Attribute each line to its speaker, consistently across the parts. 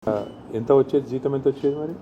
Speaker 1: ఎంత వచ్చేది జీతం ఎంత వచ్చేది మరి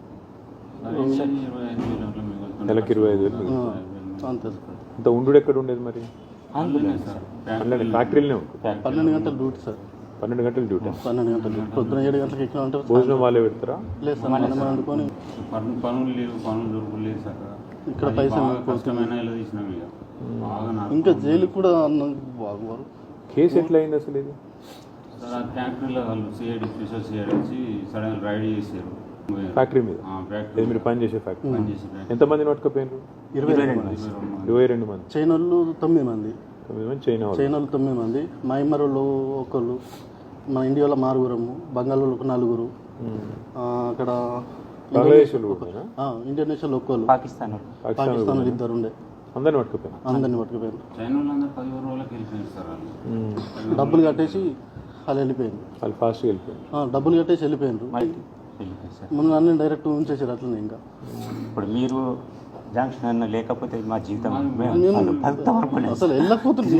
Speaker 1: నెలకి 25,000 అంత ఉండు ఎక్కడ ఉండేది మరి ఫ్యాక్టరీలోనే ఉంటుంది
Speaker 2: 12 గంటల డ్యూటీ సార్
Speaker 1: 12 గంటల డ్యూటీ
Speaker 2: 12 గంటల డ్యూటీ పొద్దున 7 గంటలకు ఎక్కినా అంటే
Speaker 1: భోజనం వాళ్ళే పెడతారా
Speaker 2: లేదు సార్ మనం వండుకొని
Speaker 3: పనులు లేవు పనులు దొరకలేదు సార్
Speaker 2: ఇక్కడ పైసలు
Speaker 3: కష్టమైన ఇలా తీసినాం ఇక బాగా
Speaker 2: ఇంకా జైలు కూడా బాగువారు
Speaker 1: కేసు ఎట్లా అయింది అసలు ఇది
Speaker 3: సార్ ఆ ఫ్యాక్టరీలో వాళ్ళు సిఐడి స్పెషల్ సిఐడి వచ్చి సడన్ రైడ్ చేశారు
Speaker 1: ఫ్యాక్టరీ మీద
Speaker 3: ఫ్యాక్టరీ
Speaker 1: మీరు పని చేసే ఫ్యాక్టరీ
Speaker 3: పని చేసే
Speaker 1: ఎంతమందిని పట్టుకపోయినారు 22 మంది
Speaker 2: చైనా వాళ్ళు 9 మంది
Speaker 1: 9 మంది చైనా
Speaker 2: చైనా వాళ్ళు 9 మంది మయన్మార్ వాళ్ళు ఒకళ్ళు మన ఇండియా వాళ్ళ 4 బంగాల్ వాళ్ళు 4 అక్కడ
Speaker 1: బంగ్లాదేశ్
Speaker 2: ఇండోనేషియాలో ఒక్కళ్ళు పాకిస్తాన్ వాళ్ళు 2 ఉండే
Speaker 1: అందరిని పట్టుకుపోయారు
Speaker 3: చైనా వాళ్ళందరూ 11 రోజులకి వెళ్ళిపోయారు సార్ వాళ్ళు
Speaker 2: డబ్బులు కట్టేసి వాళ్ళు వెళ్ళిపోయింది
Speaker 1: వాళ్ళు ఫాస్ట్గా వెళ్ళిపోయారు
Speaker 2: డబ్బులు కట్టేసి వెళ్ళిపోయిండ్రు ముందు అన్నీ డైరెక్ట్ ఉంచేసారు అట్లనే ఇంకా
Speaker 4: ఇప్పుడు మీరు జంక్షన్ అన్న లేకపోతే మా జీవితం
Speaker 2: అసలు వెళ్ళకపోతుంది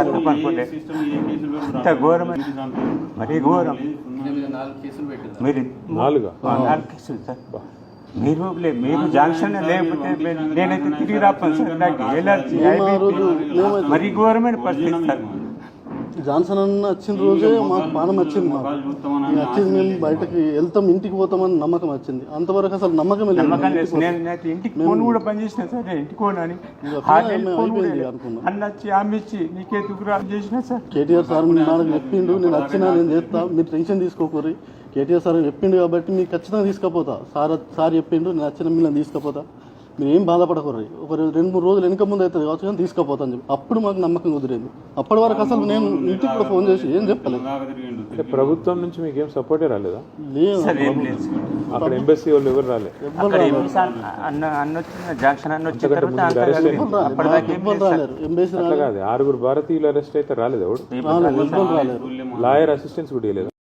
Speaker 4: మరీ ఘోరం మీరు 4 కేసులు సార్ మీరు జంక్షన్ లేకపోతే నేనైతే తిరిగి రాపాను సార్ నాకు ఎలర్జీ మరీ ఘోరమైన పరిస్థితి సార్
Speaker 2: జాన్సన్ అన్న వచ్చిన రోజే మాకు పానం వచ్చింది మాకు వచ్చింది మేము బయటకి వెళ్తాం ఇంటికి పోతామని నమ్మకం వచ్చింది అంతవరకు అసలు నమ్మకం
Speaker 4: ఇంటికి ఫోన్ కూడా పనిచేసిన సార్ ఇంటికి పోనని అన్న వచ్చి ఆమె ఇచ్చి నీకే దుగ్గురా చేసిన సార్
Speaker 2: కేటీఆర్ సార్ నాకు చెప్పిండు నేను వచ్చినా నేను చేస్తా మీరు టెన్షన్ తీసుకోకూరి కేటీఆర్ సార్ చెప్పిండు కాబట్టి మీకు ఖచ్చితంగా తీసుకుపోతా సార్ చెప్పిండు నేను వచ్చిన మిమ్మల్ని తీసుకుపోతా మీరు ఏం బాధపడకూర్రి ఒక 2-3 రోజులు వెనుక ముందు అవుతుంది కావచ్చు కానీ తీసుకుపోతాను చెప్పి అప్పుడు మాకు నమ్మకం కుదిరేది అప్పటి వరకు అసలు నేను ఇంటికి కూడా ఫోన్ చేసి ఏం చెప్పలేదు
Speaker 1: ప్రభుత్వం నుంచి మీకు ఏం సపోర్టే రాలేదా
Speaker 2: లేదు
Speaker 1: అక్కడ ఎంబసీ వాళ్ళు ఎవరు రాలేదు కాదు 6 భారతీయులు అరెస్ట్ అయితే రాలేదు ఎవడు
Speaker 2: రాలేరు
Speaker 1: లాయర్ అసిస్టెన్స్ కూడా లేదు